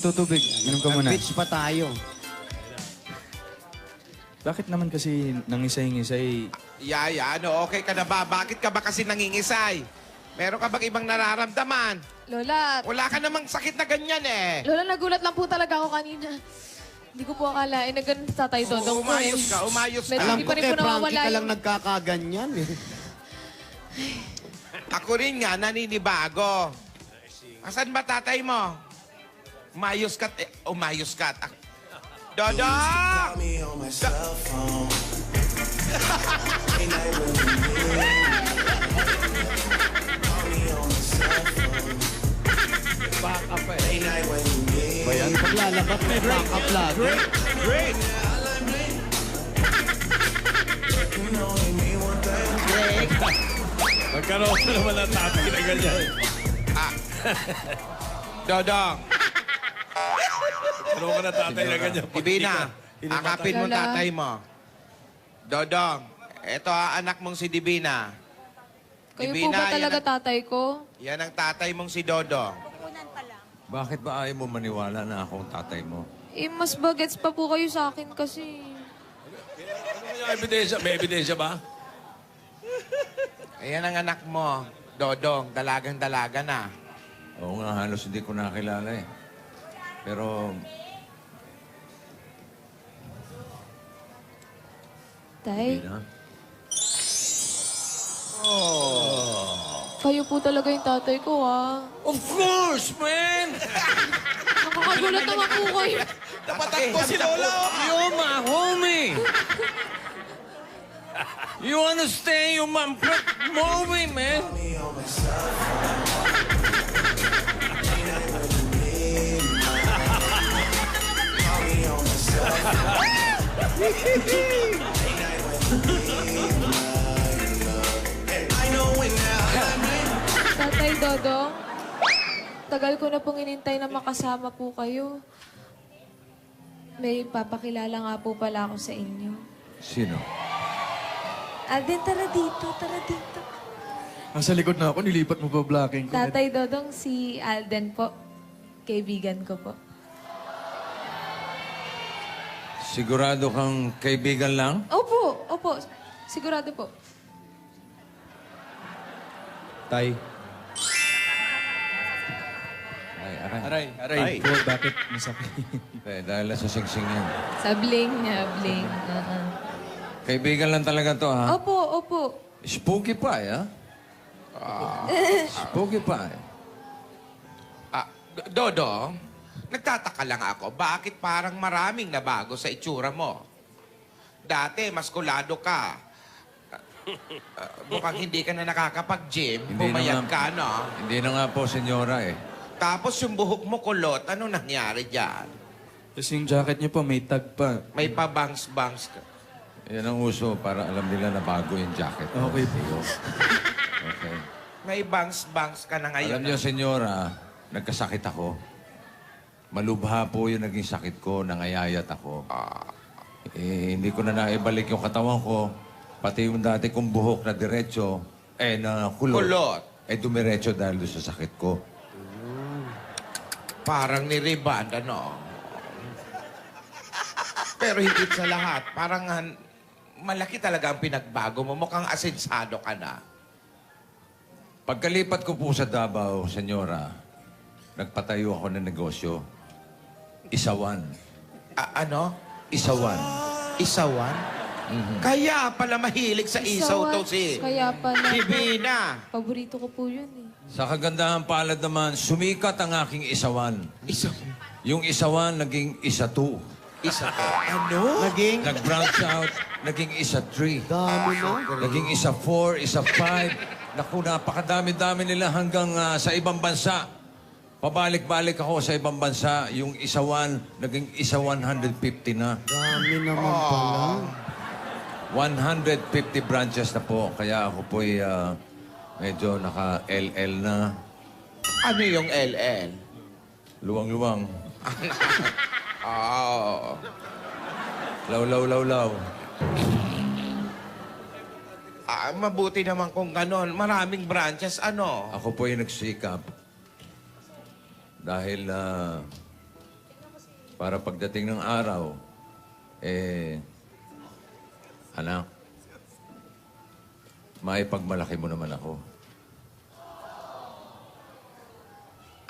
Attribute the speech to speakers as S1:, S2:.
S1: Tutubig. Inom ka muna.
S2: Beach pa tayo.
S1: Bakit naman kasi nangisay-ngisay?
S3: Yaya, ano, okay ka na ba? Bakit ka ba kasi nangingisay? Meron ka bang ibang nararamdaman?
S4: Lola,
S3: Wala ka namang sakit na ganyan eh.
S4: Lola, nagulat lang po talaga ako kanina. Hindi ko po akalain na ganun sa tatay Dodong ko eh.
S3: Umayos ka, umayos ka.
S4: Medyo
S2: Alam
S4: hindi
S2: ko
S4: pa rin
S2: kay
S4: po
S2: Frankie
S4: nawawala
S2: ka lang
S4: yung...
S2: nagkakaganyan eh.
S3: Ako rin nga, naninibago. Asan ba tatay mo? Umayos ka. Umayos ka. Dodo!
S2: Bayan, paglalabat may backup lagi.
S3: Great!
S5: Magkaroon na naman ng tatay na ganyan.
S3: Dodong,
S5: Magkaroon ka ng tatay na ganyan.
S3: Ibina, akapin mo
S4: Lola.
S3: tatay mo. Dodong, eto anak mong si Divina.
S4: Kayo po
S3: Divina,
S4: ba talaga
S3: yan
S4: tatay ko?
S3: Yan ang tatay mong si Dodong.
S5: Bakit ba ayaw mo maniwala na akong tatay mo?
S4: Eh, mas bagets pa po kayo sa akin kasi.
S5: Ano yung ebidensya? May ebidensya ba?
S3: Ayan ang anak mo, Dodong. Dalagang-dalaga na.
S5: Oo nga, halos hindi ko nakilala eh. Pero
S4: Tay,
S5: hindi na.
S4: kayo po talaga yung tatay ko, ah.
S5: Of course, man!
S4: Nakakagulat naman po kayo.
S3: Napatakbo si Lola.
S5: You're my homie! You understand? You're my homie, man!
S4: Tatay Dodong, tagal ko na pong inintay na makasama po kayo. May papakilala nga po pala ako sa inyo.
S5: Sino?
S4: Alden, tara dito, tara dito.
S1: Nasa likod na ako, nilipat mo pa blocking ko.
S4: Tatay Dodong, si Alden po. Kaibigan ko po.
S5: Sigurado kang kaibigan lang?
S4: Opo, opo. Sigurado po.
S1: Tay.
S5: Ay, aray.
S1: Aray, aray. Po, bakit masakit?
S5: Eh, dahil sa singsing yan.
S4: Sa bling niya, bling.
S5: Kaibigan lang talaga to, ha?
S4: Opo, opo.
S5: Spooky pie, ha? Spooky pie.
S3: Dodong, nagtataka lang ako, bakit parang maraming nabago sa itsura mo? Dati, maskulado ka. Mukhang hindi ka na nakakapag-gym, pumayag ka, no?
S5: Hindi na nga po, senyora, eh.
S3: Tapos yung buhok mo kulot, ano nangyari dyan?
S1: Tapos yung jacket niyo po, may tag pa.
S3: May pabangs-bangs ka.
S5: Yan ang uso para alam nila na bago yung jacket. ko.
S1: Okay po.
S5: Okay.
S3: May bangs-bangs ka na ngayon.
S5: Alam niyo, senyora, nagkasakit ako. Malubha po yung naging sakit ko, nangayayat ako. Eh, hindi ko na naibalik yung katawan ko. Pati yung dati kong buhok na diretso, na kulot.
S3: Kulot.
S5: Dumiretso dahil doon sa sakit ko.
S3: Parang ni-reband, ano? Pero higit sa lahat, parang malaki talaga ang pinagbago mo. Mukhang asensado ka na.
S5: Pagkalipat ko po sa Davao, senyora, nagpatayo ako ng negosyo. Isawan.
S3: Ano?
S5: Isawan.
S3: Isawan? Kaya pala mahilig sa isaw to si
S4: Kaya pala.
S3: Divina.
S4: Paborito ko po yun eh.
S5: Sa kagandahan palad naman, sumikat ang aking isawan.
S3: Isaw.
S5: Yung isawan, naging isa-2.
S3: Isa to. Ano?
S2: Naging
S5: Nag-branch out, naging isa-3.
S2: dami na.
S5: Naging isa-4, isa-5. Naku, napakadami-dami nila hanggang sa ibang bansa. Pabalik-balik ako sa ibang bansa. Yung isa-1, naging isa-150 na.
S2: Dami naman pala.
S5: 150 branches na po. Kaya ako po'y medyo naka-LL na.
S3: Ano yung LL?
S5: Luwang-luwang.
S3: Oh.
S5: Law.
S3: Mabuti naman kung ganon. Maraming branches, ano?
S5: Ako po'y nagsikap. Dahil Para pagdating ng araw, anak, maipagmalaki mo naman ako.